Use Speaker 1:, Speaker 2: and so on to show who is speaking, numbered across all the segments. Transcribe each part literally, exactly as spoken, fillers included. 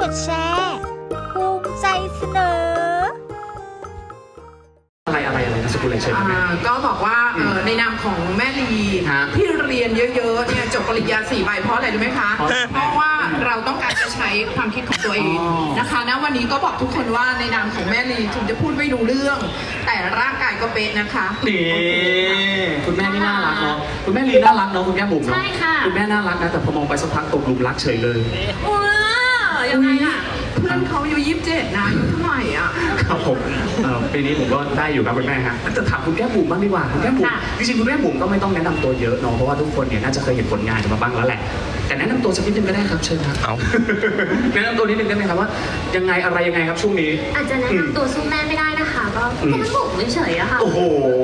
Speaker 1: ดแชร์ภูมิใจเสนอ
Speaker 2: อะไรอะไรอะไรนะสกุลอะไรเชิญไหม
Speaker 3: ก็บอกว่าในนามของแม่ลีที่เรียนเยอะๆเนี่ยจบปริญญาสี่ใบเพราะอะไรรู้ไหมคะเพราะว่าเราต้องการจะใช้ความคิดของตัวเองนะคะณวันนี้ก็บอกทุกคนว่าในนามของแม่ลีถึงจะพูดไม่รู้เรื่องแต่ร่างกายก็เป๊ะนะคะ
Speaker 2: นี่คุณแม่นี่น่ารักเนาะคุณแม่ลีน่ารักเนาะคุณแก้มบุ๋มเนาะคุณแม่น่ารักนะแต่พอมองไปสักพักตกหลุมรักเฉยเลย
Speaker 3: ว้ายังไงล่ะเพื่อนเขาอายุยี่สิบเจ็ดนะอายุเท่าไหร่อ่ะ
Speaker 2: ครับผมปีนี้ผมก็ได้อยู่ครับคุณแม่ฮะจะถามคุณแก้มบุ๋มบ้างดีกว่าคุณแก้มบุ๋มจริงๆคุณแก้มบุ๋มก็ไม่ต้องแนะนำตัวเยอะเนาะเพราะว่าทุกคนเนี่ยน่าจะเคยเห็นผลงานมาบ้างแล้วแหละแต่แนะนำตัวสักนิดนึงก็ได้ครับเชิญครับเอาแนะนำตัวนิดนึงได้ไหมครับว่ายังไงอะไรยังไงครับช่วงนี้
Speaker 4: อาจจะแนะนำตัวสู้แม่ไม่ได้นะคะก็แค่บุ๋มเฉยๆอะค่ะ
Speaker 2: โอ้โห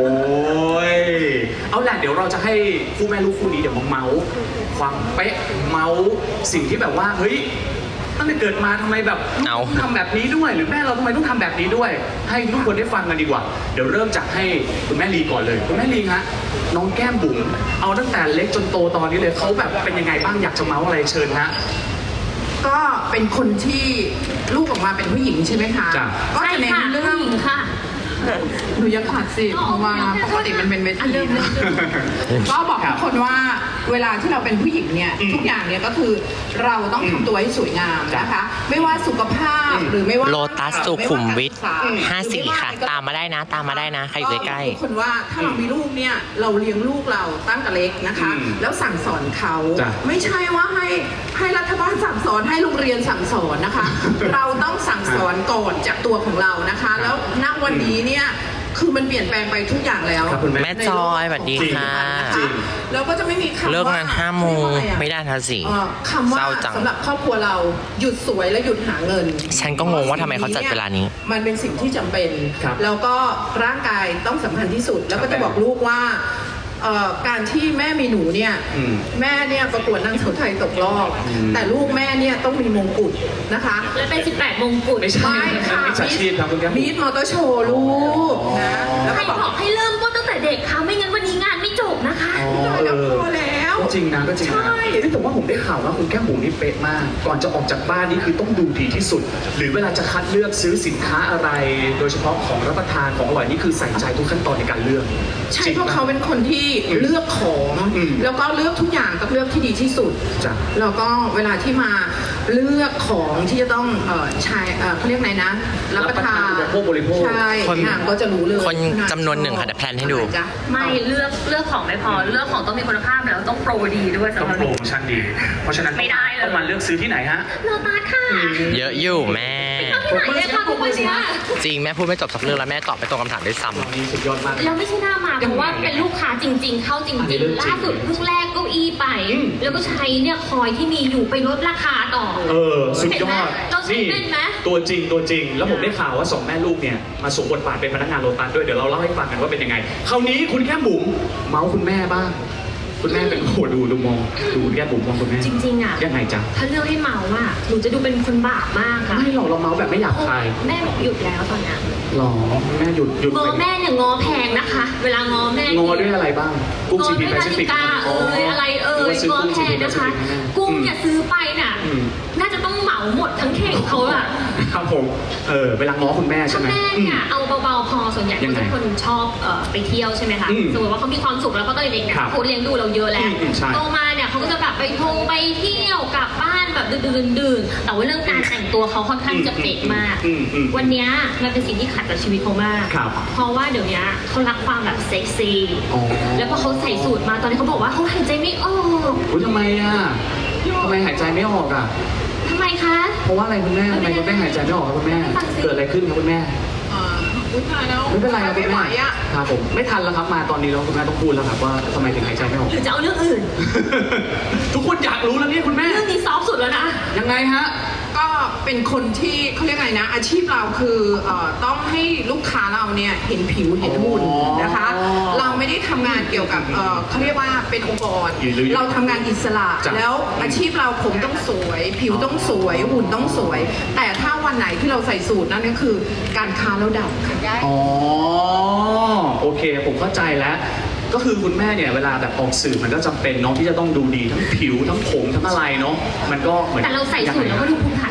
Speaker 2: เอาแหละเดี๋ยวเราจะให้คู่แม่ลูกคู่นี้เดี๋ยวมาเมาส์ความเป๊ะเมาส์สิ่งที่แบบว่าเฮ้ยตั้งแต่เกิดมาทำไมแบบเอาทำแบบนี้ด้วยหรือแม่เราทำไมต้องทำแบบนี้ด้วยให้ทุกคนได้ฟังกันดีกว่าเดี๋ยวเริ่มจากให้คุณแม่ลีก่อนเลยคุณแม่ลีฮะน้องแก้มบุ๋มเอาตั้งแต่เล็กจนโตตอนนี้เลยเขาแบบเป็นยังไงบ้างอยากจะเมาส์อะไรเชิญฮะ
Speaker 3: ก็เป็นคนที่ลูกออกมาเป็นผู้หญิงใช่ไหมคะก็จะเน้นเรื่อง
Speaker 4: ค่ะ
Speaker 3: หนูยังขาดสิเพราะว่าปกติมันเป็นเวทีก็บอกทุกคนว่าเวลาที่เราเป็นผู้หญิงเนี่ยทุกอย่างเนี่ยก็คือเราต้องทำตัวให้สวยงามนะคะไม่ว่าสุขภาพหรือไม่ว่า
Speaker 5: โลตัสสุขุมวิทห้าสี่ค่ะตามมาได้นะตามมาได้นะใครอยู่ใกล้
Speaker 3: ๆทุกคนว่าถ้าเรามีลูกเนี่ยเราเลี้ยงลูกเราตั้งแต่เล็กนะคะแล้วสั่งสอนเขาไม่ใช่ว่าให้ให้รัฐบาลสั่งสอนให้โรงเรียนสั่งสอนนะคะเราต้องสั่งสอนก่อนจากตัวของเรานะคะแล้วณวันนี้เนี่ยคือมันเปลี่ยนแปลงไปทุกอย่างแล้ว
Speaker 5: แม่จอยสวัสดีค่ะ
Speaker 3: แล้วก็จะไม่มีคำ
Speaker 5: เลิกงานห้าโมงไม่ได้ทันสิ
Speaker 3: คำว่าสำหรับครอบครัวเราหยุดสวยและหยุดหาเงิน
Speaker 5: ฉันก็งงว่าทำไมเขาจัดเวลานี้
Speaker 3: มันเป็นสิ่งที่จำเป็นแล้วก็ร่างกายต้องสำคัญที่สุดแล้วก็จะบอกลูกว่าการที่แม่มีหนูเนี่ยแม่เนี่ยประกวดนางสาวไทยตกรอบแต่ลูกแม่เนี่ยต้องมีมงกุฎนะคะ
Speaker 4: และเป็นสิบแปดมงกุฎ
Speaker 2: ไม่ใช่ค่ะมิจฉาชีพครับคุณแก้ม
Speaker 3: มีดมอเตอร์โชว์ลูกนะ
Speaker 4: แล้วก็บอกให้เริ่มต้นตั้งแต่เด็กค่ะไม่งั้นวันนี้งานไม่จบนะคะ
Speaker 3: แล้วพอแล้ว
Speaker 2: จริงนะก็จริงนะแต่ว่าผมได้ข่าวว่าคุณแก้มบุ๋มนี่เป๊ะมากก่อนจะออกจากบ้านนี่คือต้องดูดีที่สุดหรือเวลาจะคัดเลือกซื้อสินค้าอะไรโดยเฉพาะของรับประทานของอร่อยนี่คือใส่ใจทุกขั้นตอนในการเลือก
Speaker 3: ใช่เพราะเขาเป็นคนที่เลือกของแล้วก็เลือกทุกอย่างต้องเลือกที่ดีที่สุดแล้วก็เวลาที่มาเลือกของที่จะต้องใช้เขาเรียกไงนะรับประทาน
Speaker 2: พวกบริโภค
Speaker 3: ใช่ก็จะรู้เลย
Speaker 5: คนจำนวนหนึ่งค่ะเดี๋ยวแพลนให้ดู
Speaker 4: ไม่เลือกเลือกของไม่พอเลือกของต้องมีคุณภาพแล้วต้องโปรดีด้วย
Speaker 2: ต้องโปรโมชั่นดีเพราะฉะนั้นต้องมาเลือกซื้อที่ไหนฮะ
Speaker 4: โลตัสค่ะ
Speaker 5: เยอะอยู่แม่จริงแม่พูดไม่จบสักเรื่องแล้วแม่ตอบไปตรงคำถามด้วยซ้
Speaker 2: ำสุดยอดมาก
Speaker 4: แล้วไม่ใช่หน้ามาเพราะว่าเป็นลูกค้าจริงๆเข้าจริงๆล่าสุดเพิ่งแลกเก้าอี้ไปแล้วก็ใช้เนี่ยคอยที่มีอยู่ไปลดราคาต่อ
Speaker 2: เออสุดยอด
Speaker 4: เราใช้เป็นไหม
Speaker 2: ตัวจริงตัวจริงแล้วผมได้ข่าวว่าสองแม่ลูกเนี่ยมาสวมบทบาทเป็นพนักงานโลตัสด้วยเดี๋ยวเราเล่าให้ฟังกันว่าเป็นยังไงคราวนี้คุณแก้มบุ๋มเมาส์คุณแม่บ้างคุณแม่เป็นโหดูดูมองดูแก้มบุ๋มมองคุณแม่
Speaker 4: จริงๆอ่ะ
Speaker 2: ยังไงจ๊ะ
Speaker 4: ถ้าเลือกให้เมาส์อ่ะหนูจะดูเป็นคนบาปมากค่ะ
Speaker 2: ไม่หรอกเราเมาส์แบบไม่อยากใคร
Speaker 4: แม่บอกหยุดแล้วตอนนี้
Speaker 2: หรอแม่หยุดหยุด
Speaker 4: งอแม่เนี่ยงอแพงนะคะเวลางอแม่
Speaker 2: งอด้วยอะไรบ้างกุ้งซีพีแปซิฟิก
Speaker 4: เอ้ยอะไรเอ้ยงอแพงนะคะกุ้งเนี่ยซื้อไปน่ะน่าจะต้องเหมาหมดทั้งเข่งเขาอะ
Speaker 2: ครับผมเออเวลาง้อคุณแม่ใช่ไหม
Speaker 4: แม่เนี่ยเอาเบาๆพอส่วนใหญ่เขาเป็นคนชอบไปเที่ยวใช่ไหมคะสมมติว่าเขามีความสุขแล้วเขาก็เลยเด็กเนี่ยเขาเลี้ยงดูเราเยอะแล้วโตมาเนี่ยเขาก็จะแบบไปทงไปเที่ยวกลับบ้านแบบดื่นๆแต่ว่าเรื่องการแต่งตัวเขาค่อนข้างจะเป๊ะมากวันนี้มันเป็นสิ่งที่ขัดกับชีวิตเขามากเพราะว่าเดี๋ยวนี้เขารักความแบบเซ็กซี่แล้วก็เขาใส่สูทมาตอนนี้เขาบอกว่าเขาหายใจไม่ออก
Speaker 2: ทำไมอ่ะทำไมหายใจไม่ออกอ่ะ
Speaker 4: ทำไมคะ
Speaker 2: เพราะว่าอะไรคุณแม่ทำไมคุณแม่หายใจไม่ออกครับคุณแม่เกิดอะไรขึ้นครับคุณแม่ไม่เป็นไรครับคุณแม่ครับผมไม่ทันแล้วครับมาตอนนี้แล้วคุณแม่ต้องพูดแล้วครับว่าทำไมถึงหายใจไม่ออก
Speaker 4: หรือจะเอาเรื่องอื่น
Speaker 2: ทุกคนอยากรู้แล้วนี่คุณแม่
Speaker 4: เรื่องนี้ซอฟสุดแล้วนะ
Speaker 2: ยังไงฮะ
Speaker 3: ก็เป็นคนที่เขาเรียกไงนะอาชีพเราคือต้องให้ลูกค้าเราเนี่ยเห็นผิวเห็นหุ่นนะคะเราไม่ได้ทำงานเกี่ยวกับเขาเรียกว่าเป็นองค์กรเราทำงานอิสระแล้วอาชีพเราผมต้องสวยผิวต้องสวยหุ่นต้องสวยแต่ถ้าวันไหนที่เราใส่สูทนั่นก็คือการค้าแล้วดับ
Speaker 2: อ๋อโอเคผมเข้าใจแล้วก็คือคุณแม่เนี่ยเวลาแบบออกสื่อมันก็จำเป็นเนาะที่จะต้องดูดีทั้งผิวทั้งผมทั้งอะไรเนาะมันก็เหมือน
Speaker 4: แต่เราใส่สูทเราก็ดูภูมิฐาน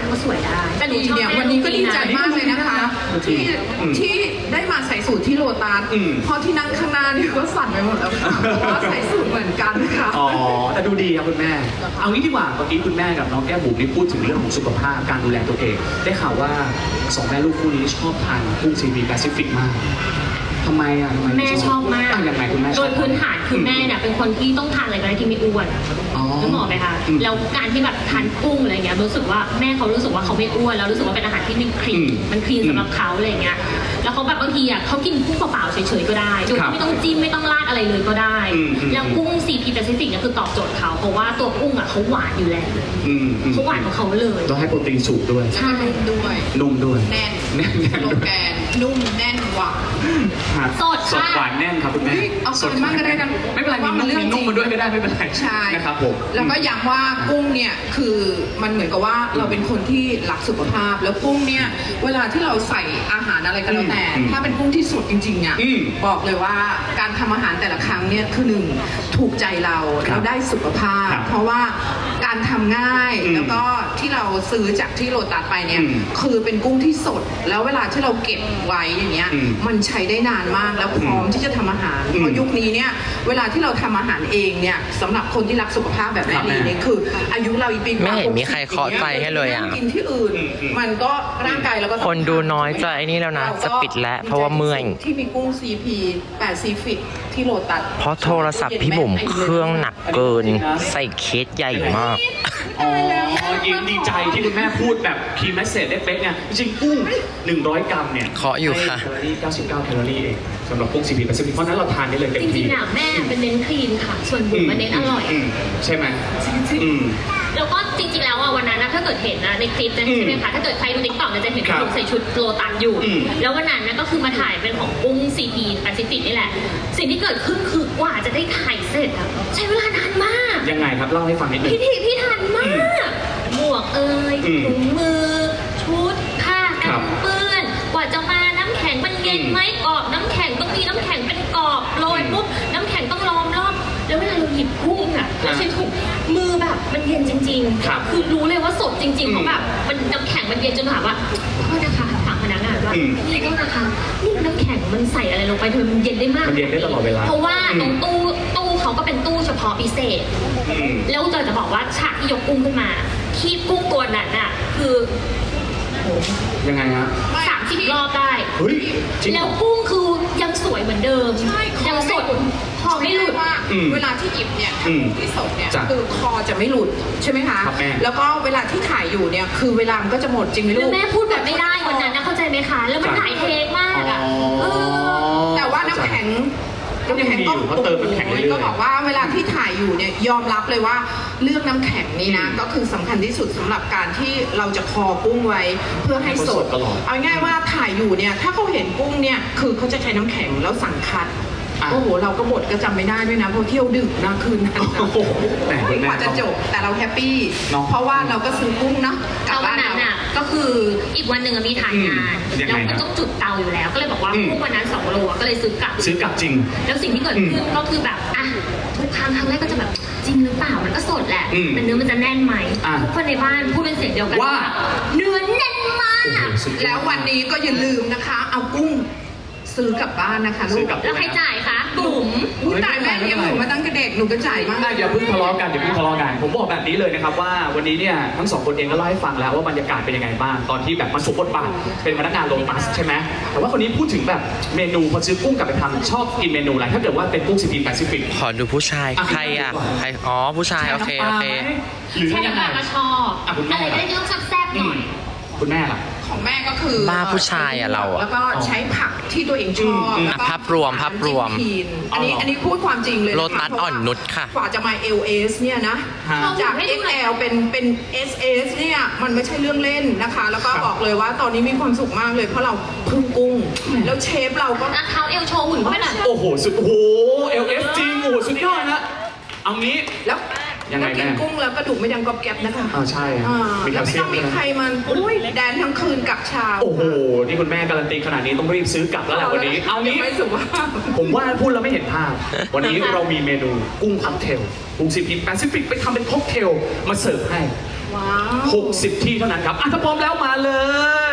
Speaker 4: ก็สวยได้แต่หนู
Speaker 3: ดี
Speaker 4: ชอบ
Speaker 3: เนี่ย
Speaker 4: แม่
Speaker 3: วันนี้ก็ดีใจ
Speaker 4: ลู
Speaker 3: มากเลยนะคะ ที่
Speaker 2: อืม
Speaker 3: ที่ได้มาใส่สูตรที่โลตัส
Speaker 2: อืม
Speaker 3: เพราะที่นั่งข้างหน้านี่ก็สั่นไปหมดแล้วค่ะเพราะว่าใส่สูตรเหมือนกันค่ะ
Speaker 2: อ๋อแต่ดูดีครับคุณแม่ เอางี้ดีกว่าเมื่อกี้คุณแม่กับน้องแก้มบุ๋มนี่พูดถึงเรื่องของสุขภาพการดูแลตัวเอง ได้ข่าวว่าสองแม่ลูกคู่นี้ชอบทานกุ้งซีพีแปซิฟิกมากทำไมอ่ะทำไม
Speaker 4: แม่ชอบมาก
Speaker 2: อ่ะยังไงคุณแม่ชอบ
Speaker 4: โดยพื้นฐานคือแม่เนี่ยเป็นคนที่ต้องทานอะไรก็ได้ที่ไม่อ้วน
Speaker 2: อ๋อ
Speaker 4: นึกออกไหมคะ
Speaker 2: อืม
Speaker 4: แล้วการที่แบบทานกุ้งอะไรเงี้ยรู้สึกว่าแม่เขารู้สึกว่าเขาไม่อ้วนแล้วรู้สึกว่าเป็นอาหารที่มันคลี
Speaker 2: อื
Speaker 4: น
Speaker 2: ม
Speaker 4: มันคลีนสำหรับเขาอะไรเงี้ยแล้วเขาแบบบางทีอ่ะเขากินกุ้งเปล่าๆเฉยๆก็ได้โดย
Speaker 2: ครับ
Speaker 4: ที่ไม่ต้องจิ้มไม่ต้องราดอะไรเลยก็ได้
Speaker 2: อืมอืม
Speaker 4: แล้วกุ้งซีพีแปซิฟิกเนี่ยคือตอบโจทย์เขาเพราะว่าตัวกุ้งอ่ะเขาหวานอยู่แล้ว
Speaker 2: อืมอืม
Speaker 4: เขาหวานของเขาเลย
Speaker 2: ต้องให้โปรตีนสูงด้วย
Speaker 3: ใช่ด้วย
Speaker 2: นุ่มด้วย
Speaker 3: แน่น
Speaker 2: แน่นแน่น
Speaker 3: โลแกนนุ่มแน่นหวาน
Speaker 2: ครับ
Speaker 4: สด
Speaker 2: สด
Speaker 4: ค่ะ
Speaker 2: หวานแน่นครับคุณแม่
Speaker 3: เฮ้ยเอาเกินมากก็ได้นะ
Speaker 2: ไม่เป็นไร
Speaker 3: ว่ามั
Speaker 2: มี
Speaker 3: น
Speaker 2: นุ่ม
Speaker 3: เรื่อง
Speaker 2: มีนุ่ม
Speaker 3: จริง
Speaker 2: มาด้วยก็ได้ไม่เป็นไร
Speaker 3: ใช่
Speaker 2: นะครับผม
Speaker 3: แล้วก็ย้ำว่ากุ้งเนี่ยคือมันเหมือนกับว่าเราเป็นคนที่รักสุขภาพ แล้วกุ้งเนี่ยเวลาที่เราใส่อาหารอะไรก็แล้วแต่
Speaker 2: อืม
Speaker 3: ถ้าเป็นกุ้งที่สดจริงๆเนี่ย
Speaker 2: อืม
Speaker 3: บอกเลยว่าการทำอาหารแต่ละครั้งเนี่ยคือหนึ่งถูกใจเรา
Speaker 2: ครับ
Speaker 3: เราได้สุขภาพ
Speaker 2: ครับ
Speaker 3: เพราะว่าการทำง่าย
Speaker 2: อืม
Speaker 3: แล้วก็ที่เราซื้อจากที่โลตัสไปเนี่ย
Speaker 2: อืม
Speaker 3: คือเป็นกุ้งที่สด แล้วเวลาที่เราเก็บไว้อย่างเงี้ย
Speaker 2: อืม
Speaker 3: มันใช้ได้นานมากแล้วพร้อมที่จะทำอาหาร
Speaker 2: อืม
Speaker 3: เพราะยุคนี้เนี่ยเวลาที่เราทำอาหารเองเนี่ยสำหรับคนที่รักสุขภาพแบบแม่ลีเนี่ยคืออายุเราอีกปีกว่า
Speaker 5: ไม่เห็นมี
Speaker 3: หกสิบ
Speaker 5: ใครเคาะใจให้เลยอะ
Speaker 3: นั่งกินที่อื่น
Speaker 2: อืมอืม
Speaker 3: มันก็ร่างกายเราก็ต้อง
Speaker 5: คนดูน้อยจะไอ้นี่แล้วนะ
Speaker 3: เราก็
Speaker 5: จะปิดแล้วเพราะว่าเมื่อย
Speaker 3: ที่มีกุ้ง ซี พี แปซิฟิกที่โลตัส
Speaker 5: เพราะโทรศัพท์พี่บุ๋มเครื่องหนักเกิน ใส่เคสใหญ่มาก
Speaker 2: อ๋อยินดีใจที่คุณแม่พูดแบบคีย์แมสเซจได้เป๊ะเนี่ยจริงๆกุ้งหนึ่งร้อยกรัมเนี่ย
Speaker 5: เคาะอยู่ค่ะ
Speaker 2: ให้แคลอรี่เก้าสิบเก้าแคลอรี่เองสำหรับกุ้งซีพีแปซิฟิกเพราะฉะนั้นเราทานได้เลยเต็ม
Speaker 4: จริ
Speaker 2: ที่
Speaker 4: งๆอ่ะแม่เป็นเน้นคลีนค่ะ ส่วนบุ๋มมันเน้นอร่อย
Speaker 2: มใช่ไหมอืม
Speaker 4: แล้วก็จริงๆ แล้วอ่ะวันนั้นนะถ้าเกิดเห็นนะในคลิปนะ
Speaker 2: อืม
Speaker 4: ใช่ไหมคะถ้าเกิดใครดูติ๊กต็อกจะเห็น
Speaker 2: ครับ
Speaker 4: หนูใส่ชุดโลตัสอยู่
Speaker 2: อืม
Speaker 4: แล้ววันนั้นนะก็คือมาถ่ายเป็นของกุ้งซีพีแปซิฟิกนี่แหละ สิ่งที่เกิดขึ้นคือกว่าจะได้ถ่ายเสร็จอะใช้เวลานานมาก
Speaker 2: ยังไงครับเล่าให้ฟังนิดนึง
Speaker 4: พี่ทีพี่ทันมาก หมวกเอ่ย
Speaker 2: อืม
Speaker 4: ถุงมือ ชุดผ้า
Speaker 2: ค
Speaker 4: กั
Speaker 2: รั
Speaker 4: น
Speaker 2: บ
Speaker 4: เปื้อน กว่าจะมาน้ำแข็งมันเย็นไหมกรอบน้ำแข็งต้องมีน้ำแข็งเป็นกรอบโรยปุ๊บน้ำแข็งต้องล้อมรอบแล้วเวลาเราหยิบกุ้งอ่ะเราใช้ถุงมือแบบมันเย็นจริง
Speaker 2: ครับ
Speaker 4: ๆ คือรู้เลยว่าสดจริงๆเพ
Speaker 2: อืม
Speaker 4: ราะแบบมันน้ำแข็งมันเย็นจนถามว่าโทษนะคะถามพนักงานว่า
Speaker 2: อืม
Speaker 4: พี่โทษนะคะนี่น้ำแข็งมันใส่อะไรลงไปเธอมันเย็นได้มาก
Speaker 2: มันเย็นได้ตลอดเวลา
Speaker 4: เพราะว่า
Speaker 2: อืม
Speaker 4: ตรงตู้ตู้เขาก็เป็นตู้เฉพาะพิเศษ
Speaker 2: อืม
Speaker 4: แล้วเจอจะบอกว่าฉากที่ยกกุ้งขึ้นมาคีบกุ้งตัวนั้นน่ะคือ
Speaker 2: ยังไงฮะ
Speaker 4: สามสิบรอบได้
Speaker 2: เฮ้ยจริงเหร
Speaker 4: แล้ว
Speaker 2: อ
Speaker 4: กุ้งคือยังสวยเหมือนเดิม
Speaker 3: ใช่คอ
Speaker 4: ยังสด
Speaker 3: คอไม่หลุดว่า
Speaker 2: อืม
Speaker 3: เวลาที่หยิบเนี่ย
Speaker 2: อืม
Speaker 3: ที่สดเนี่ย
Speaker 2: จ้ะ
Speaker 3: คือคอจะไม่หลุดใช่ไหมคะ
Speaker 2: ครับแม่
Speaker 3: แล้วก็เวลาที่ถ่ายอยู่เนี่ยคือเวลามันก็จะหมดจริงไหมลู
Speaker 4: แล้ว
Speaker 3: ก
Speaker 4: แม่พูดแบบไม่ได้วันนั้นนะเข้าใจไหมคะ แล้วมัน
Speaker 2: จ้ะ
Speaker 4: หลายเทคมากอ่ะ
Speaker 2: อ๋อ
Speaker 4: เออ
Speaker 3: แต่ว่าน้ำแข็ง
Speaker 2: ก็ยังดีอยู่เพราะเติมน้ำแข็งเรื่อยๆ
Speaker 3: ก็บอกว่าเวลาที่ถ่ายอยู่เนี่ยยอมรับเลยว่าเลือกน้ำแข็งนี่นะ
Speaker 2: อืม
Speaker 3: ก็คือสำคัญที่สุดสำหรับการที่เราจะคอกุ้งไว้เพื่อให้สด
Speaker 2: ให้เขาสดตลอด
Speaker 3: เอาง่ายว่าถ่ายอยู่เนี่ยถ้าเขาเห็นกุ้งเนี่ยคือเขาจะใช้น้ำแข็งแล้วสั่งคัด
Speaker 2: อ่ะ
Speaker 3: โอ้โหเราก็บดก็จำไม่ได้ด้วยนะเพราะเที่ยวดึกนะคืนนั้น
Speaker 2: โอ้โหแหมคุณแม่
Speaker 3: กว่าจะจบแต่เราแฮปปี้
Speaker 2: เนอะ
Speaker 3: เพราะว่าเราก็ซื้อกุ้งเนาะกลั
Speaker 4: แล้
Speaker 3: บ
Speaker 4: ววั
Speaker 3: บ้าน น
Speaker 4: นั้น
Speaker 3: เรา
Speaker 4: น่ะก็คืออีกวันหนึ่งอะมีถ่ายงาน
Speaker 2: อืมยัง
Speaker 4: แล้ว
Speaker 2: ไง
Speaker 4: ก็
Speaker 2: ครับ
Speaker 4: ต้องจุดเตาอยู่แล้ว ก็เลยบอกว่า
Speaker 2: อืม
Speaker 4: กุ้งวันนั้นสองโลอะก็เลยซื้อกลับ
Speaker 2: ซื้อกลับจริง
Speaker 4: แล้วสิ่งที่เกิดขึ้นก็คือแบบอ่ะทุกครั้งครั้งแรกก็จะแบบจริงหรือเปล่ามันก็สดแหละ
Speaker 2: อืม
Speaker 4: แต่เนื้อมันจะแน่นไหม
Speaker 2: อ่ะ
Speaker 4: ทุกคนในบ้านพูดเป็นเสียงเดียวกัน
Speaker 2: ว่า
Speaker 4: เนื้อแน่นมาก
Speaker 2: โอ้โหสุดยอด
Speaker 3: แล้ววันนี้ก็อย่าลืมนะคะ เอากุ้งซื้อกลับบ้านนะคะลู
Speaker 2: ซื้อก กลับ
Speaker 4: แล้วใครจ่ายคะบุ๋ม
Speaker 3: อุ๊ยตายแม่เลี้ยงหนูมาตั้งแต่เด็กหนูก็จ่ายมาก
Speaker 2: อ่ะอย่าเพิ่งทะเลาะกันอย่าเพิ่งทะเลาะกันผมบอกแบบนี้เลยนะครับว่าวันนี้เนี่ยทั้งสองคนเองก็เล่าให้ฟังแล้วว่าบรรยากาศเป็นยังไงบ้างตอนที่แบบมาสวมบทบาทเป็นพนักงานโลตัสใช่ไหมแต่ว่าคนนี้พูดถึงแบบเมนูพอซื้อกุ้งกลับไปทำชอบกินเมนูอะไรถ้าเกิดว่าเป็นกุ้งซีพีแปซิฟิก
Speaker 5: ขอดูผู้ชาย
Speaker 2: อ่ะ
Speaker 5: ใครอ่ะใครอ๋อผู้ชายโอเคโอเค
Speaker 2: หรือ
Speaker 4: ใช่
Speaker 2: ยังไง
Speaker 4: ค่ะก็ชอบ
Speaker 2: อ่ะคุณแม่
Speaker 4: อะไรก็ได้ที่ต้องแซ่บๆห
Speaker 2: อื
Speaker 4: น่
Speaker 2: ม
Speaker 4: อย
Speaker 2: คุณแม่ล่ะ
Speaker 3: ของแม่ก็คือ
Speaker 5: บ้าผู้ชายอะเราอะ
Speaker 3: แล้วก็ใช้ผักที่ตัวเองชอบ
Speaker 2: อืม
Speaker 3: แล้วก็
Speaker 5: อ่ะภาพรวมภาพรวม
Speaker 3: จิ้พีนอันนี้
Speaker 2: อ๋ออั
Speaker 3: อันนี้พูดความจริงเลยะคะ
Speaker 5: โลตัสอ่อนนุชค่ะ
Speaker 3: กว่าจะมา เอล เอส เนี่ยนะ
Speaker 2: ฮะ
Speaker 3: จาก
Speaker 4: ให้ดู
Speaker 3: เอ็ก
Speaker 4: หน่อย
Speaker 3: แอล เป็นเป็น เอส เอส เนี่ยมันไม่ใช่เรื่องเล่นนะคะ แล้วก็
Speaker 2: ครับ
Speaker 3: บอกเลยว่าตอนนี้มีความสุขมากเลยเพราะเราพึ่งกุ้ง แล้วเชฟเราก็
Speaker 4: แล้วเขาเอวโชว์หุ่นเขาไปหน่อย
Speaker 2: โอ้โหสุดโอ้โหเอลเอฟจริงโอ้โหสุดยอดนะเอางี้
Speaker 3: แล้ว
Speaker 2: ยังไง
Speaker 3: แล้วกิน
Speaker 2: แม่
Speaker 3: กุ้งแล้วกระดูกไม่ดังกรอบแกรบนะคะ
Speaker 2: อ่าใช่ฮะ
Speaker 3: อ่า
Speaker 2: มีแค
Speaker 3: แล้ว
Speaker 2: ล
Speaker 3: ไม่
Speaker 2: เซีย
Speaker 3: ต้
Speaker 2: ม
Speaker 3: องมี
Speaker 2: ด้วยนะ
Speaker 3: ใครมันอุ้ยแดนทั้งคืนกับชา
Speaker 2: โอ้โห นี่คุณแม่การันตีขนาดนี้ต้องรีบซื้อกลับแล้วแหละวันนี้ เอางี้
Speaker 3: ไม่สุภาพ
Speaker 2: ผมว่าพูดแล้วไม่เห็นภาพ วันนี้เรามีเมนูกุ้งค็อกเทลกุ้งซีพีแปซิฟิกไปทำเป็นค็อกเทลมาเสิร์ฟให้
Speaker 3: ว้าว
Speaker 2: หกสิบที่เท่านั้นครับอ่ะถ้าพร้อมแล้วมาเลย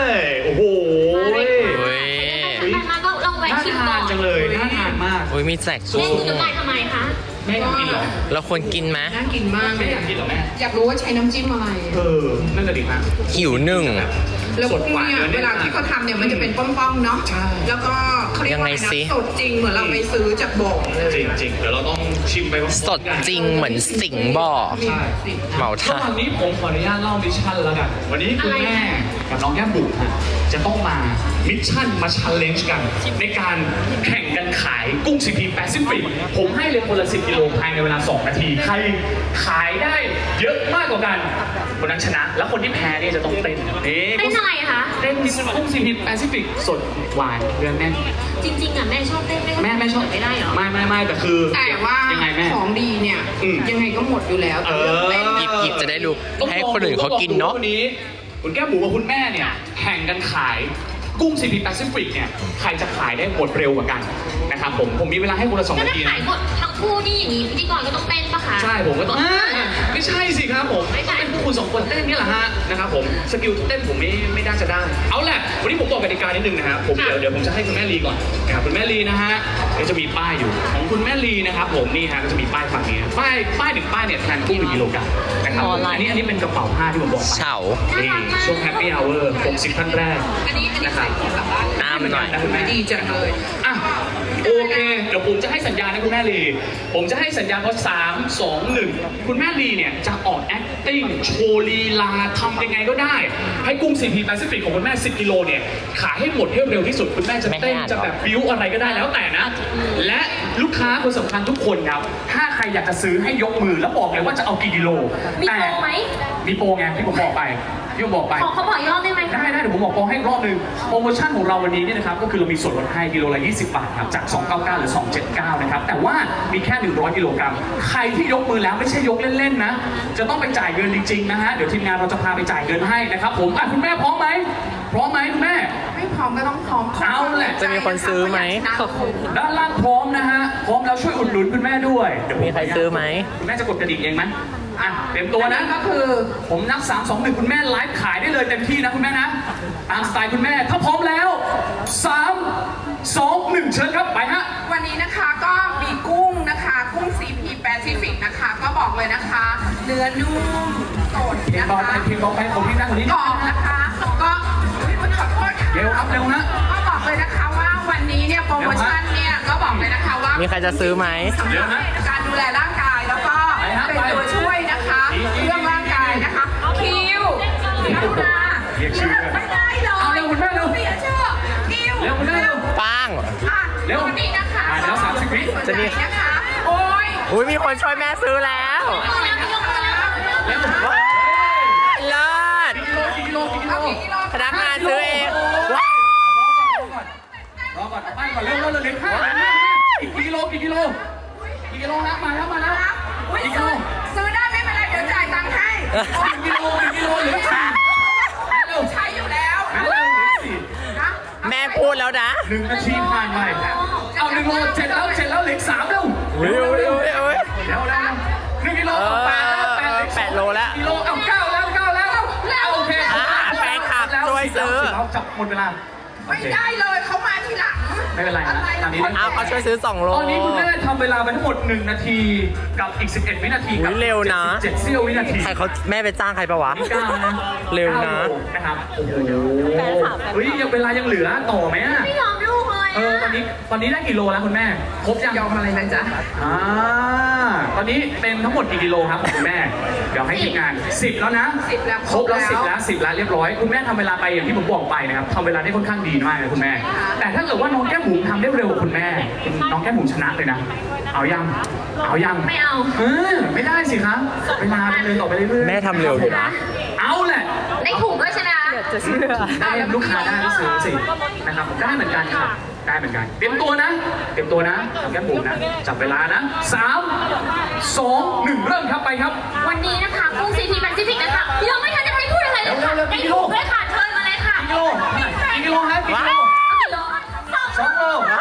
Speaker 2: โอ้โห
Speaker 5: เฮ้ย
Speaker 4: ใครมาก็ลองแวะ
Speaker 2: น่า
Speaker 4: ชิมก่
Speaker 2: ทา
Speaker 4: อน น
Speaker 2: จังเลยน่าทานมาก
Speaker 5: โอ้ยมีแจก
Speaker 4: แม่
Speaker 5: กุ้ง
Speaker 4: ซื้อไปทำไมคะ
Speaker 2: แม่อยากกินเหรอ
Speaker 5: เราควรกินไหม
Speaker 3: น่ากินมากเล
Speaker 2: แม่
Speaker 3: ย
Speaker 2: อยากกินเหรอแม่
Speaker 3: อยากรู้ว่าใช้น้ำจิ้มอะไร
Speaker 2: เออนั่นก็ดีมาก
Speaker 5: หิวหนึ่ง
Speaker 3: แล้ว
Speaker 2: สด
Speaker 3: กุ้ง
Speaker 2: กว่า
Speaker 3: เนี่ย
Speaker 2: เนื้อแน่น
Speaker 3: เวลาที่เขาทำเนี่ยมันจะเป็นป้องๆเนาะ
Speaker 2: ใช่
Speaker 3: แล้วก็เขาเรียกว่าอะไร
Speaker 5: ยังไงสิ
Speaker 3: นะสดจริงเหมือนเราไปซื้อจากบ่อเลย
Speaker 2: จริงจริงๆเดี๋ยวเราต้องชิมไปพร้อมๆ
Speaker 5: สดจริงเหมือนสิงห์บ่อ
Speaker 3: มีสิทธิ์
Speaker 5: เหมา
Speaker 2: ระ
Speaker 5: ท่า
Speaker 2: หว่างนี้ผมขออนุญาตเล่ามิชชั่นแล้วกัน วันนี้คุณแม่กับน้องแก้มบุ๋มฮะจะต้องมามิชชั่นมาชันเลนจ์กัน ในการแข่งกันขายกุ้งซีพีแปซิฟิกผมให้เลยคนละสิบกิโลภายในเวลาสองนาที ใครขายได้เยอะมากกว่ากัน คนนั้นชนะ แล้วคนที่แพ้เนี่ยจะต้องเต้นนี่
Speaker 4: เต้นอะไรคะ
Speaker 2: เต้นกุ้งซีพีแปซิฟิกสดหวานเนื้อแน่น
Speaker 4: จริงๆอ่ะแม่ชอบเต้น
Speaker 2: แม่แม่ชอบ
Speaker 4: ไม่ได้เหรอ
Speaker 2: ไม่ไม่ไม่แต่คือ
Speaker 3: แต่ว่า
Speaker 2: ยังไงแม่
Speaker 3: ของดีเนี่ย
Speaker 2: อืม
Speaker 3: ยังไงก็หมดอยู่แล้ว
Speaker 2: เออ
Speaker 3: แต่เรื่องเต้น
Speaker 5: หยิบหยิบจะได้รู้ให้คนอื่นเขากินเนาะ
Speaker 2: วันนี้คุณแก้มบุ๋มกับคุณแม่เนี่ยแข่งกันขายกุ้งซีพีแปซิฟิกเนี่ยใครจะขายได้หมดเร็วกว่ากันนะครับผมผมมีเวลาให้คนละสอง
Speaker 4: ก็
Speaker 2: นา
Speaker 4: ถ้า
Speaker 2: ที
Speaker 4: ขา
Speaker 2: นะ
Speaker 4: ยหมดทั้งคู่นี่อย่างนี้พิธีกรก็ต้องเต้นปะคะ
Speaker 2: ใช่ผมก็ต้องอ่าไม่ใช่สิครับผม
Speaker 4: ไม่ใช่
Speaker 2: เป็นพวกคุณสองคนเต้นนี่แหละฮะนะครับผมสกิลเต้นผมไม่ไม่น่าจะได้เอาแหละวันนี้ผมบอกกติกานิดนึงนะฮะผมเดี๋ยวเดี๋ยวผมจะให้คุณแม่ลีก่อนนะครับคุณแม่ลีนะฮะเดี๋ยวจะมีป้ายอยู่ของคุณแม่ลีนะครับผมนี่ฮะก็จะมีป้ายฝั่งนี้ป้ายป้ายหนึ่งป้ายเนี่ยแทนกุ้งหนึ่งกิโลกรัมนะครับ
Speaker 5: ออนไลน์
Speaker 2: อันนี้อันนี้เป็นกระเป๋าผ้าที่ผมบอกไป
Speaker 5: เฉา
Speaker 2: นี่ช่วงแฮปปี้อเวอร์หกสิบท่านแรก
Speaker 3: อันนี้อันนี้
Speaker 2: นะครับ
Speaker 3: ใส่กลับบ้าน
Speaker 5: น้ำหน่อย
Speaker 2: นะคุณแม่
Speaker 3: ดีจังเลย
Speaker 2: อ่ะโอเค เดี๋ยวผมจะให้สัญญาณนะคุณแม่ลี ผมจะให้สัญญาณเพราะสามสองหนึ่งคุณแม่ลีเนี่ยจะออก acting โชว์ลีลาทำยังไงก็ได้ ให้กุ้ง ซี พี Pacific ของคุณแม่สิบกิโลเนี่ยขายให้หมดให้เร็วที่สุดคุณแม่จะเต้นจะแบบบิ้วอะไรก็ได้แล้วแต่นะ และลูกค้าคนสำคัญทุกคนครับถ้าใครอยากจะซื้อให้ยกมือแล้วบอกเลยว่าจะเอากี่กิโล
Speaker 4: มี
Speaker 2: แต่
Speaker 4: โปรไหม
Speaker 2: มีโปรไงที่ผมบอกไปที่ผมบอกไป
Speaker 4: ขอเขาบอกอีกรอบได้ไหมคะ
Speaker 2: ได้ได้เดี๋ยวผมบอกโปรให้อีกรอบหนึงโปรโมชั่นของเราวันนี้เนี่ยนะครับก็คือเรามีส่วนลดให้กิโลละยี่สิบบาทครับจากสองร้อยเก้าสิบเก้าหรือสองร้อยเจ็ดสิบเก้านะครับแต่ว่ามีแค่หนึ่งร้อยกิโลกรัมใครที่ยกมือแล้วไม่ใช่ยกเล่นๆนะจะต้องไปจ่ายเงินจริงๆนะฮะเดี๋ยวทีมงานเราจะพาไปจ่ายเงินให้นะครับผมอ่ะคุณแม่พร้อมไหมพร้อมไหมคุณแม่
Speaker 3: ไม่พร้อมก็ต้องพร้อม
Speaker 2: เอาแหละ
Speaker 5: จะมีคนซื้อไหม
Speaker 2: ด้านล่างพร้อมนะฮะพร้อมแล้วช่วยอุดหนุนคุณแม่ด้วยเดี๋ยวผ
Speaker 5: มีใครซื้อไหม
Speaker 2: คุณแม่จะกดกระดิ่งเองไหมอ่ะเต็มตัวนะ
Speaker 3: ก็คือ
Speaker 2: ผมนับสาม สอง หนึ่งคุณแม่ไลฟ์ขายได้เลยเต็มที่นะคุณแม่นะตามสไตล์คุณแม่ถ้าพร้อมแล้วสาม สอง หนึ่งเชิญครับไปฮะ
Speaker 3: วันนี้นะคะก็มีกุ้งนะคะกุ้ง ซี พี Pacific นะคะ ก็บอกเลยนะคะ เนื้อนุ่มสด
Speaker 2: เพลง
Speaker 3: นะ
Speaker 2: ต่อไป
Speaker 3: คะ
Speaker 2: เพลงต่อไปผมพี่นั่งคนนี้
Speaker 3: กรอบนะคะก็อุ๊ยขอโทษค่ะ
Speaker 2: เร็วครับเร็วนะ
Speaker 3: ก็บอกเลยนะคะว่าวันนี้เนี่ยโปรโมชั่นเนี่ยก็บอกเลยนะคะว่า
Speaker 5: มี
Speaker 3: มี
Speaker 5: ใครจะซื้อไหม
Speaker 2: เร็วนะ
Speaker 3: การดูแลร่างกายแล้วก็
Speaker 2: ไปฮะ
Speaker 3: เป็น
Speaker 2: ไป
Speaker 3: ตัวช่วยนะคะ
Speaker 2: อีกอีก
Speaker 3: เรื่องร่างกายนะคะคิวกรุณา
Speaker 2: เรียกชื่อกัน
Speaker 3: ไม่ได้เลย
Speaker 2: เอาเร็วคุณแม่เร็ว
Speaker 3: เสียชื่อคิว
Speaker 2: เร็วคุณแม่เร็ว
Speaker 5: ปัง
Speaker 3: อ่ะ
Speaker 2: เร็ว
Speaker 3: วันนี้นะคะ
Speaker 2: อ่ะเดี๋ยวสามสิบวิ
Speaker 5: จะมี
Speaker 3: นะคะโอ้ย
Speaker 5: อุ้ยมีคนช่วยแม่ซื้อแล้ว
Speaker 2: เร็ว
Speaker 5: ว้ายเลิศ
Speaker 2: กี่กิโลกี่กิโล
Speaker 3: เอา
Speaker 2: กี่
Speaker 3: กี่
Speaker 2: กิ
Speaker 3: กิ
Speaker 2: โล
Speaker 3: โล
Speaker 5: พนักงานซื้อเอง
Speaker 2: ว้า
Speaker 5: ว้าว
Speaker 2: รอก่อนรอก่อนเอาไปก่อนเร็วเร็วเร็วเร็วห้ากี่กิโลกี่กิโลกี่กิโลฮะมาแล้วมาแล้ว
Speaker 3: อุ๊ย
Speaker 2: กี่กิโล
Speaker 3: ซื้อได้ไม่เป็นไรเดี๋ยวจ่ายตังค์ให้
Speaker 2: กี่กิโลกี่กิโลเหลือสี่เร็ว
Speaker 3: ใช้อยู่แล้ว
Speaker 2: เร็วเร็วเหลือสี่
Speaker 3: นะ
Speaker 5: แม่พูดแล้วนะ
Speaker 2: หนึ่งนาทีผ่านไปเอาหนึ่งโลเจ็ดแล้วเจ็ดแล้วเหลืออกสามเร็ว
Speaker 5: เร็วเร็วเร็วเร็ว
Speaker 2: เร็วเร็วหนึ่งกิโลเอาแปดแล้วแปดเหลือ
Speaker 5: แปดโลแล้ว
Speaker 2: กิโลเอาเก้าแล้วเก้าแล้วเอาโอเค
Speaker 5: อ่าแฟนคลับช่วยซื้อ
Speaker 2: เราจับหมดเวลา
Speaker 3: ไม่ได้เลยเขามาทีหลัง
Speaker 2: ไม่เป็นไรนะ
Speaker 3: อะไร
Speaker 2: ตอนนี้
Speaker 3: คน
Speaker 5: เอาเขาช่วยซื้อสองโล
Speaker 2: ตอนนี้คุณแม่ทำเวลาไปทั้งหมดหนึ่งนาทีกับอีกสิบเอ็ดวินาทีกับ
Speaker 5: อุ๊ยเร็วนะ
Speaker 2: เจ็ดเสี้ยววินาที
Speaker 5: ใครเขาแม่ไปจ้างใครปะวะ
Speaker 2: นี่เก้านะ
Speaker 5: เร็วนะ
Speaker 2: ก้าโลนะครับโอ้โหเฮ้ยยังเวลายังเหลือต่อไหมอะ
Speaker 4: ไม่ยอมลูกเลย
Speaker 2: เออตอนนี้ตอนนี้ได้กี่โลแล้วคุณแม่ครบยัง
Speaker 3: ยอมอะไรนะจ๊ะ
Speaker 2: อ่าตอนนี้เป็นทั้งหมดกี่กิโลครับของคุณแม่ เดี๋ยวให้ทีมงานสิบแล้วนะ
Speaker 3: สิบแล้ว
Speaker 2: ครบแล้ว
Speaker 3: คร
Speaker 2: สิ
Speaker 3: บบ แล้
Speaker 2: แล้ว วสิบแล้วเรียบร้อยคุณแม่ทำเวลาไปอย่างที่ผมบอกไปนะครับทำเวลาได้ค่อนข้างดีมากเลยคุณแม่ แต่ถ้าเกิดว่าน้องแก้มบุ๋มทำได้เร็วกว่าคุณแม่น้องแก้มบุ๋มชนะเลยนะเอายังเอายัง
Speaker 4: ไม่เอา
Speaker 2: เออไม่ได้สิครับเวลาดำเนินต่อไปเรื่อยๆ
Speaker 5: แม่ทำเร็วอยู่นะ
Speaker 2: เอาแหละ
Speaker 4: ได้ถูกด้วยใช่ไหมคะ
Speaker 2: ได้ลูกค้าได้ก็ซื้อสินะครับได้เหมือนกันครับได้เหมือนกันเตรียมตัวนะเตรียมตัวนะน้องแก้มบุ๋มนะจับเวลานะสามสองหนึ่งเริ่มครับไปครับ
Speaker 4: วันนี้นะคะกุ้ง ซี พี Pacific นะคะยังไม่ทันจะได้พูดอะไรเลยค่ะ
Speaker 2: เร็วๆๆ
Speaker 4: ได้ถูกด้วยค่ะเชิญมาเลยค่ะ
Speaker 2: กิโลกี่กิโลครับกี่กิโล
Speaker 4: เอากิโล
Speaker 2: สองโล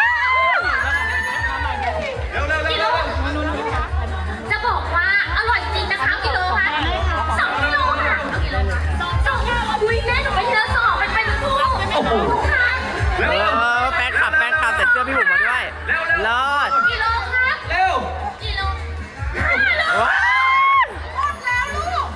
Speaker 2: เร็วเร็วเร็ว
Speaker 4: กิโล
Speaker 2: เร็ว
Speaker 4: จะบอกว่าอร่อยจริงนะคะกิโลค่ะสองกิโลค่ะ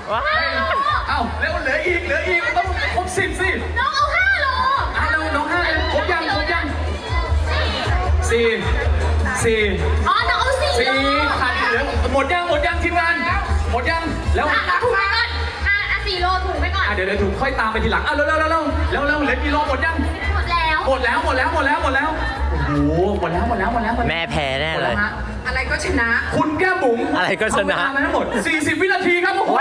Speaker 5: ว้าว
Speaker 2: เอ้าเร็วเหลืออีกเหลืออีกมันต้องครบสิบสิ
Speaker 4: น้องเอาห้าโล
Speaker 2: อ่ะเร็วน้องห้าครบยังครบยังสี่สี่
Speaker 4: อ๋อน้องเอาสี่
Speaker 2: สี่
Speaker 4: โล
Speaker 2: ขาดอีกเหลือหมดยังหมดยังทีมงานหมดยังแล้ว
Speaker 4: อ่ะเอาถุงไปก่อนอ่ะอ่ะสี่โลถุงไปก่อน
Speaker 2: อ่ะเดี๋ยวเดี๋ยวถูกค่อยตามไปทีหลังอ่ะเร็วเร็วเร็วเร็วเร็วเร็วเหลือกี่โลหมดยัง
Speaker 4: หมดแล้ว
Speaker 2: หมดแล้วหมดแล้วหมดแล้วหมดแล้วโอ้โหหมดแล้วหมดแล้วหมดแล้วหดล้ว
Speaker 5: แม่แพ้แน่
Speaker 2: หมด
Speaker 5: เล
Speaker 2: แล้ว
Speaker 5: ย
Speaker 2: ฮะ
Speaker 3: อะไรก็ชนะ
Speaker 2: คุณแก้มบุ๋ม
Speaker 5: อะไรก็ชนะ
Speaker 2: เอาเวลามาทั้งหมดสี่สิบวินาทีครับโอ้โห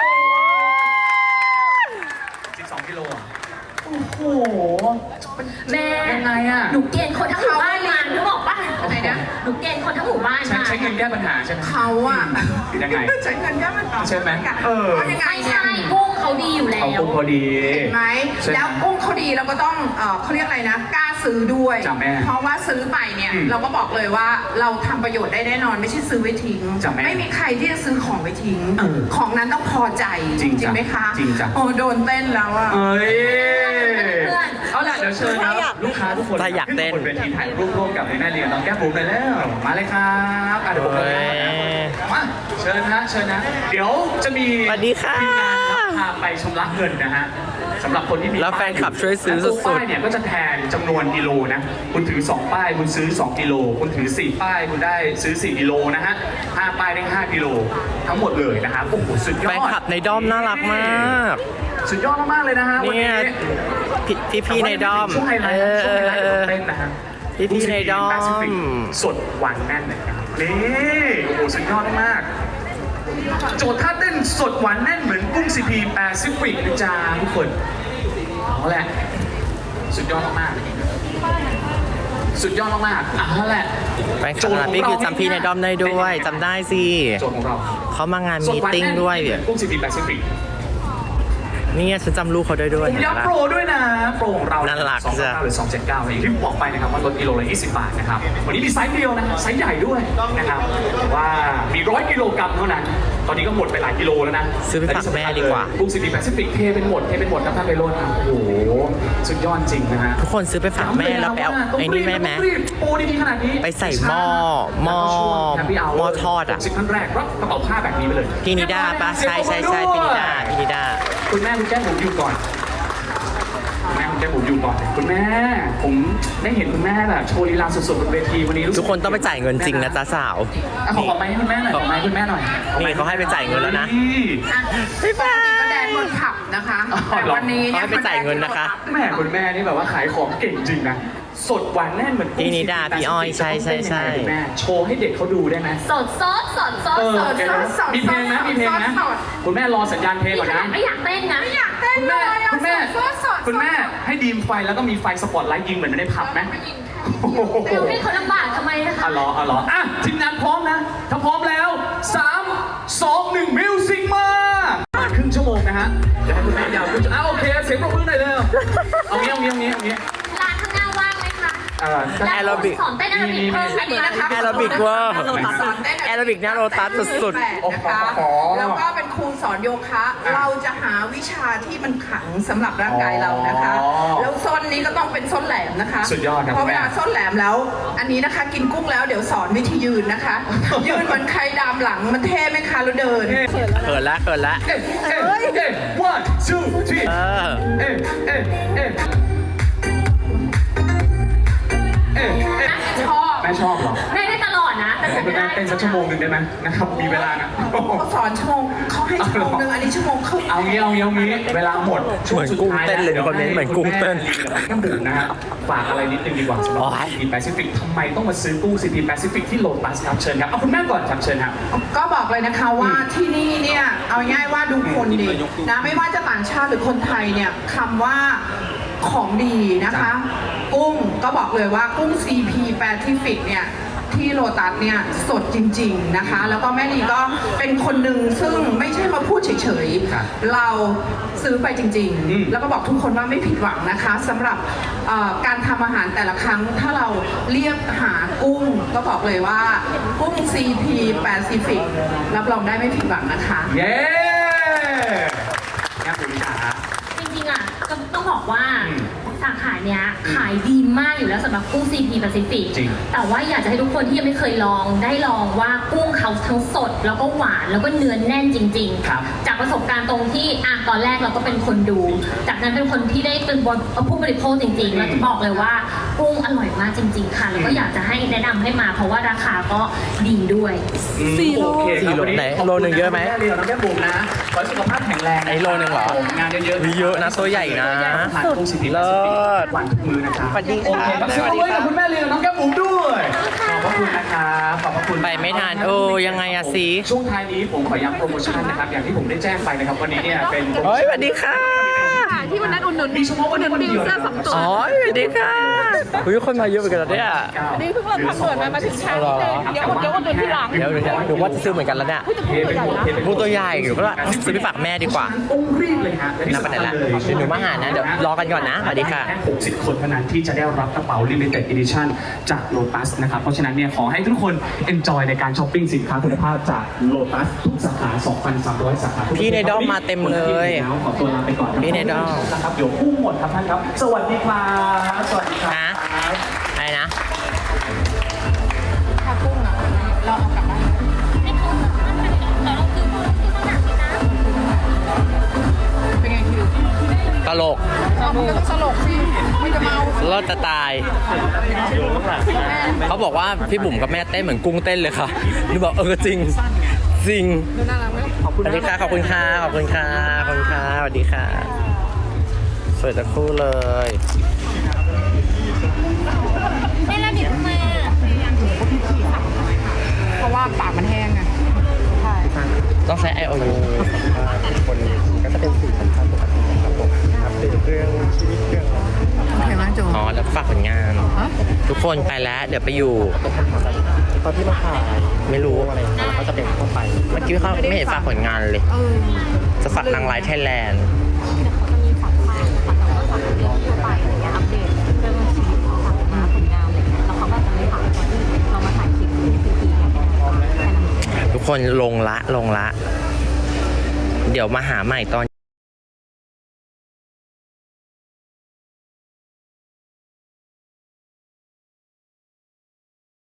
Speaker 2: สิบสองกิโลอ่ะโอ้โห
Speaker 4: แม่
Speaker 2: ยังไงอะ
Speaker 4: หนูเกณฑ์คนทั้งหมู่บ้านมาหนูบอกป่ะ
Speaker 3: อะไรนะ
Speaker 4: หนูเกณฑ์คนทั้งหมู่บ้าน
Speaker 2: ใช้
Speaker 4: มา
Speaker 2: ใช้เงินแก้ปัญหาใช่ไหม
Speaker 3: เขาอะ
Speaker 2: ยังไง
Speaker 3: ใช้เงินแค่มันต่อ
Speaker 2: ใช่ไหมเออ
Speaker 3: เพราะยังไง
Speaker 4: ไม่
Speaker 3: เนี่ย
Speaker 4: ใช่กุ้งเขาดีอยู่แล้
Speaker 2: เอา
Speaker 4: ว
Speaker 2: กุ้งพอดี
Speaker 3: เห็นไหม
Speaker 2: ใช่ไหม
Speaker 3: แล้วกุ้งเขาดีเราก็ต้องเอ่อเขาเรียกอะไรนะกล้าซื้อด้วย
Speaker 2: จ้ะแม่
Speaker 3: เพราะว่าซื้อไปเนี่ย
Speaker 2: อืม
Speaker 3: เราก็บอกเลยว่าเราทำประโยชน์ได้แน่นอนไม่ใช่ซื้อไว้ทิ้ง
Speaker 2: จ้ะแม่
Speaker 3: ไม่มีใครที่จะซื้อของไว้ทิ้ง
Speaker 2: เออ
Speaker 3: ของนั้นต้องพอใจ
Speaker 2: จริงจ้ะ
Speaker 3: ไหมคะ
Speaker 2: จริงจ้ะ
Speaker 3: โอ้โดนเต้นแล้วอะ
Speaker 2: เอ้ย
Speaker 4: เพื่อน
Speaker 2: เอาล่ะเดี๋ยวเชิญครับลูกค้าทุกคน
Speaker 5: ถ้าอยากเต้น
Speaker 2: ขึ้นบนเวทีถ่ายรูปร่วมกับแม่เลี้ยงน้องแก้มบุ๋มเลยแล้วมาเลยครับอ่ะเดี๋ยวผม
Speaker 5: เฮ้
Speaker 2: เลย
Speaker 5: ย
Speaker 2: มาเชิญนะเชิญนะ เดี๋ยวจะมี
Speaker 5: สวัสดีค่ะ
Speaker 2: ทีมงานครับพาไปชำระเงินนะฮะสำหรับคนที่มี
Speaker 5: แล้วแฟนคลับช่วยซื้อ
Speaker 2: และตัว
Speaker 5: สุดๆ
Speaker 2: ป้ายเนี่ยก็จะแทนจำนวนกิโลนะคุณถือสองป้ายคุณซื้อสองกิโลคุณถือสี่ป้ายคุณได้ซื้อสี่กิโลนะฮะห้าป้ายได้ห้ากิโลทั้งหมดเลยนะครับโอ้โหสุดยอด
Speaker 5: แฟนคลับในด้อมน่ารักมาก
Speaker 2: สุดยอดมากๆเลยนะฮะวัน
Speaker 5: เนี่
Speaker 2: นี้
Speaker 5: ย พี่พี่พี่ในด้อม
Speaker 2: ช่วงไฮไลท์นะช่วงไฮไลท์ของเต้นนะฮะ
Speaker 5: พี่พี่ในด้อม
Speaker 2: แปซิฟิกสดหวานแน่นเลยครับนี่โอ้โหสุดยอดมากๆโจทย์ท่าเต้นสดหวานแน่นเหมือนกุ้งซีพีแปซิฟิกนะจ๊ะทุกคนเอาแหละสุดยอดมากๆสุดยอดมากๆเอาแหละ
Speaker 5: แฟนคลับพี่คือจำพี่ในด้อมได้ด้วยจำได้สิ
Speaker 2: โจทย์ของเรา
Speaker 5: เขามางานมีตติ้งด้วย
Speaker 2: สหานแน่นเหมือนกุ้งซีพีแปซิฟิก
Speaker 5: นี่ไงฉันจำลูกเขาได้ด้วย
Speaker 2: ผมย้ำโปรด้วยนะ โปรของเรา
Speaker 5: น่ารัก
Speaker 2: สอง
Speaker 5: จ้ะ
Speaker 2: เก้าหรือสองเจ็ดเก้าอย่างที่ผมบอกไปนะครับว่าลดกิโลละยี่สิบบาทนะครับ วันนี้มีไซส์เดียวนะไซส์ใหญ่ด้วยนะครับแต่ว่ามีร้อยกิโลกรัมเท่านั้น ตอนนี้ก็หมดไปหลายกิโลแล้วนะ
Speaker 5: ซื้อไปฝากแม่ดีกว่า
Speaker 2: กุ้งซีพีแปซิฟิกเทเป็นหมดเทเป็นหมดครับท่านไปโรจน์ครับโอ้โหสุดยอดจริงนะฮะ
Speaker 5: ทุกคนซื้อไปฝากแม่แล้วไปเอาไอ้นี่แม่แม่
Speaker 2: ต้องรีบโปรดีๆขนาดนี้
Speaker 5: ไปใส่หม้อหม้อหม้อทอดอะ
Speaker 2: สิบท่านแรกรับกระเป๋าผ้าแบบนี้ไปเลย
Speaker 5: พี่นิด้าปะใช่ใช่ใช่พี่นิด้าพี่นิด้า
Speaker 2: คุณแม่คุณแก้มผมอยู่ก่อนคุณแม่คุณแก้มผมอยู่ก่อน คุณแม่ผมได้เห็นคุณแม่แบบโชว์ลีลาสดๆบนเวทีวันนี้รู้สึ
Speaker 5: ทุกคนต้องไปจ่ายเงินจริงนะจ๊ะสาว
Speaker 2: อ่ะขอขอไม้ให้คุณแม่หน่อยขอไม้ให้คุณแม่หน่อยขอไม้
Speaker 5: นี่เขาให้ไปจ่ายเงินแล้วนะ
Speaker 2: นี่
Speaker 3: ปกติก็แดนบนผับนะคะ
Speaker 2: อ๋อ
Speaker 3: แต่
Speaker 2: เหรอ
Speaker 3: วันนี้เนี่ย
Speaker 5: เขาให้ไปจ่ายเงินนะคะ
Speaker 2: แม่คุณแม่นี่แบบว่าขายของเก่งจริงนะ สดหวานแน่นเหมือน
Speaker 5: พี่นิดาพี่อ้อยใช่ใช่ใช่
Speaker 2: คุณแม่โชว์ให้เด็กเขาดูได้ไหม
Speaker 4: สดซอสสดซอส
Speaker 2: เออ
Speaker 4: สด
Speaker 2: เดี๋ยวนะมีเพลงนะมีเพลงนะคุณแม่รอสัญญาณเพลง
Speaker 4: นี่
Speaker 2: ก่อน
Speaker 4: ขนา
Speaker 2: นะ
Speaker 4: ดไม่อยากเต้นนะ
Speaker 3: ไม่อยากเต้น
Speaker 2: คุณ
Speaker 3: เล
Speaker 2: แม่
Speaker 3: ยอะ
Speaker 2: คุณแม่
Speaker 3: สดสด
Speaker 2: คุณแม่ให้ดีมไฟแล้วก็มีไฟสปอตไลท์ยิงเหมือนในผับไหมโอ้โห
Speaker 4: เดี๋ยวให้เขาลำบากทำไมนะคะ
Speaker 2: อ่ะรออ่ะรออ่ะทีมงานพร้อมนะ ถ้าพร้อมแล้วสามสองหนึ่งมิวสิกมาประมาณครึ่งชั่วโมงนะฮะเดี๋ยวให้คุณแม่ยาวขึ้นอ่ะโอเคเสียงปรบมือหน่อยเร็วเอางี้เอางี้เอางี้เอางี้
Speaker 4: ร้านข้างหน้าว่างไหมคะ
Speaker 2: เออ
Speaker 4: และ
Speaker 5: แอโรบิก
Speaker 4: สอนเต้นแอโรบิกเพิ่ม
Speaker 3: อันนี้นะคะ
Speaker 5: แอโรบิกเวอร์
Speaker 3: สอนเต้น
Speaker 5: แอโรบิกหน้าโลตัสสุด
Speaker 3: ๆนะคะ แล้วก็เป็นครูสอนโยคะ เราจะหาวิชาที่มันขังสำหรับร่างกายเรานะคะ แล้วส้นนี้ก็ต้องเป็นส้นแหลมนะคะ
Speaker 2: สุดยอดครับ
Speaker 3: เพราะเวลาส้นแหลมแล้ว อันนี้นะคะกินกุ้งแล้วเดี๋ยวสอนวิธียืนนะคะ ยืนเหมือนใครดามหลังมันเท่ไหมคะแล้วเดิน
Speaker 5: ๆเขินละเขินละ
Speaker 2: เอ๊ะเอ๊ะเอ๊ะ one two three
Speaker 5: เออ
Speaker 2: เอ๊ะเอ๊ะเอ๊ะเอ๊ะเอ๊ะ
Speaker 3: ชอบ
Speaker 2: แม่ชอบเหรอ
Speaker 4: ได้ได้ตลอดนะแต่
Speaker 2: ให้
Speaker 4: จะ
Speaker 2: คุณ
Speaker 4: ไม่
Speaker 2: แม่
Speaker 4: ได้
Speaker 2: เต้นสักชั่วโมงหนึ่งได้ไหมนะครับมีเวลานะ
Speaker 3: เขาสอนชั่วโมงเขาให้ชั่วโมงหนึ่งอันนี้ชั่วโมงครึ่ง
Speaker 2: เอางี้เอางี้เอางี้เวลาหมดช่วงสุดท้าย
Speaker 5: เหมือนกุ้งเต้นเลยคนนี้เหมือนกุ้งเต้น
Speaker 2: น้ำดื่มนะฮะฝากอะไรนิดนึงดีกว่าสำหรับ
Speaker 5: โอ๊ย
Speaker 2: ซีพีแปซิฟิกทำไมต้องมาซื้อตู้ซีพีแปซิฟิกที่โลตัสครับเชิญครับเอาคุณแม่ก่อนครับเชิญครับ
Speaker 3: ก็บอกเลยนะคะว่าที่นี่เนี่ยเอาง่ายๆว่าดูคนดีนะไม่ว่าจะต่างชาติหรือคนไทยเนี่ยคำว่าของดีนะคะ กุ้งก็บอกเลยว่ากุ้ง ซี พี Pacific เนี่ยที่โลตัสเนี่ยสดจริงๆนะคะ แล้วก็แม่นีก็เป็นคนหนึ่งซึ่งไม่ใช่มาพูดเฉย
Speaker 2: ครับ
Speaker 3: ๆ เราซื้อไปจริง
Speaker 2: อืม
Speaker 3: ๆ แล้วก็บอกทุกคนว่าไม่ผิดหวังนะคะสำหรับเอ่อการทำอาหารแต่ละครั้งถ้าเราเรียกหากุ้ง ก็บอกเลยว่ากุ้ง ซี พี Pacific รับรองได้ไม่ผิดหวังนะคะ
Speaker 2: เย้แม่ปุ๋ยจ๋า
Speaker 4: จริงๆอ่ะก็ต้องบอกว่า
Speaker 2: อืม
Speaker 4: สาขาเนี้ยขายดีมากอยู่แล้วสำหรับกุ้ง ซี พี Pacific
Speaker 2: จริง
Speaker 4: แต่ว่าอยากจะให้ทุกคนที่ยังไม่เคยลองได้ลองว่ากุ้งเขาทั้งสดแล้วก็หวานแล้วก็เนื้อแน่นจริง
Speaker 2: ครับ
Speaker 4: ๆ จากประสบการณ์ตรงที่อ่ะตอนแรกเราก็เป็นคนดู จากนั้นเป็นคนที่ได้เป็นผู้บริโภคจริงๆแล้วจะบอกเลยว่ากุ้งอร่อยมากจริง ๆ ค่ะ แล้วก็อยากจะให้แนะนำให้มาเพราะว่าราคาก็ดีด้วย
Speaker 2: สี่โล
Speaker 5: สี่โลไหนโลหนึ่งเยอะไหม
Speaker 2: แม่เรียวน้องแก้มบุ๋มนะขอให้สุขภาพแข็งแรงะ
Speaker 5: ไอ้โลหนึ่งเหรอ
Speaker 2: งานเยอะๆ
Speaker 5: มีเยอะนะตัวใหญ่นะ
Speaker 2: สุดเลิศหวานทุกมือนะครับ
Speaker 5: สวัสดี
Speaker 2: โอ
Speaker 5: ค่ะ
Speaker 2: เคครับ
Speaker 5: สวัสดี
Speaker 2: ช่วย
Speaker 5: ค่ะ
Speaker 2: กับคุณแม่เรียวน้องแก้มบุ๋มด้วยขอบพระคุณนะครับขอบพระคุณ
Speaker 5: ไปไม่ทันเออยังไงอะสิ
Speaker 2: ช่วงท้ายนี้ผมขอย้ำโปรโมชั่นนะครับอย่างที่ผมได้แจ้งไปนะครับวันนี้เนี่ยเป็นโปรโม
Speaker 5: เฮ้ย
Speaker 2: ชั่น
Speaker 5: สวัสดีค่ะ
Speaker 3: ที่วันนั้นอุดหนุน
Speaker 2: มีเฉพาะวันนี้วันเดียวนะ
Speaker 5: อ๋อสวัสดีค่ะคุยคนมาเยอะเหมือนกันแล้วเนี่ย
Speaker 3: อันนี้เพิ่งเราทำด่วนมามาถึงเช้านี้เลยเดี๋ยวเดี๋ยวอุดหนุนที่หลัง
Speaker 5: เดี๋ยวเดี๋ยวเดี๋ยวว่าจะซื้อเหมือนกันแล้วเนี่ย
Speaker 2: เทไปหมดเทไปหมด
Speaker 5: พูดตัวใหญ่อยู่ก็ว่าซื้อไปฝากแม่ดีกว่า
Speaker 2: ต้องรีบเลยฮะ
Speaker 5: นับไปไหนละเดี๋ยวหนูมาหานะเดี๋ยวรอกันก่อนนะสวัสดีค่ะ
Speaker 2: แค่หกสิบคนเท่านั้นที่จะได้รับกระเป๋า Limited Edition จาก Lotus นะครับเพราะฉะนั้นเนี่ยขอให้ทุกคน enjoy ในการช้อปปิ้งสินค้าคุณภาพจาก Lotus ทุกสาขา สองพันสามร้อย สาขา
Speaker 5: พี่ในด้อมมาเต็มเลย
Speaker 2: ขอตัวลาไปก่อน
Speaker 5: พี่ในด้อม
Speaker 2: นะครับเดี๋ยวพุ่งหมดครับท่านครับ สวัสดีครับสวัสดีครับ
Speaker 5: ฮะอะไรนะ
Speaker 3: ถ้ากุ้งอ่ะเราเอากลับบ้านเป็นไงคิว
Speaker 5: ตลก
Speaker 3: เรามันก็ต้องสลกสิไม่จะเมา
Speaker 5: เลิศจะตาย เขาบอกว่าพี่บุ๋มกับแม่เต้นเหมือนกุ้งเต้นเลยค่ะหนูบอกเออจริงจริง
Speaker 3: ดูน่ารักไหม
Speaker 5: สวัสดีค่ะขอบคุณค่ะขอบคุณค่ะขอบคุณค่ะสวัสดีค่ะสวยทั้งคู่เลย
Speaker 1: ไม่แล้วดิทำไมอ่ะ
Speaker 3: เพราะว่าปากมันแห้งไงใช่
Speaker 5: ต้องใช้ ไอ โอ ยู
Speaker 6: คนก็จะเป็นสื่อสำคัญปกติครับผมอัปเดตเรื่องชีวิตเรื่อง
Speaker 3: โอเคไหมโจ
Speaker 5: อ๋อแล้วฝากผลงาน
Speaker 3: ฮะ
Speaker 5: ทุกคนไปแล้วเดี๋ยวไปอยู่
Speaker 6: ตอนที่มาถ่าย
Speaker 5: ไม่รู้
Speaker 6: อะไรอย่างเงี้ยก็จะเป็นทั่วไป
Speaker 5: เมื่อกี้เขาไม่เห็นฝากผลงานเลย
Speaker 3: เออ
Speaker 5: จะฝากนางไลท์ไทยแลนด์
Speaker 1: เขาจะมีฝากป้ายนะคะแต่ว่าฝากเรื่องทั่วไปอะไรเงี้ยอัปเดตเรื่องชีวิตของฝากมาผลงานอะไรเงี้ยแล้วเขาก็จะไม่ฝากตอนที่เรามาถ่ายคลิปที่ซีทีเนี่ยแค่นั้นเอง
Speaker 5: ทุกคนลงละลงละ เดี๋ยวมาหาใหม่ตอน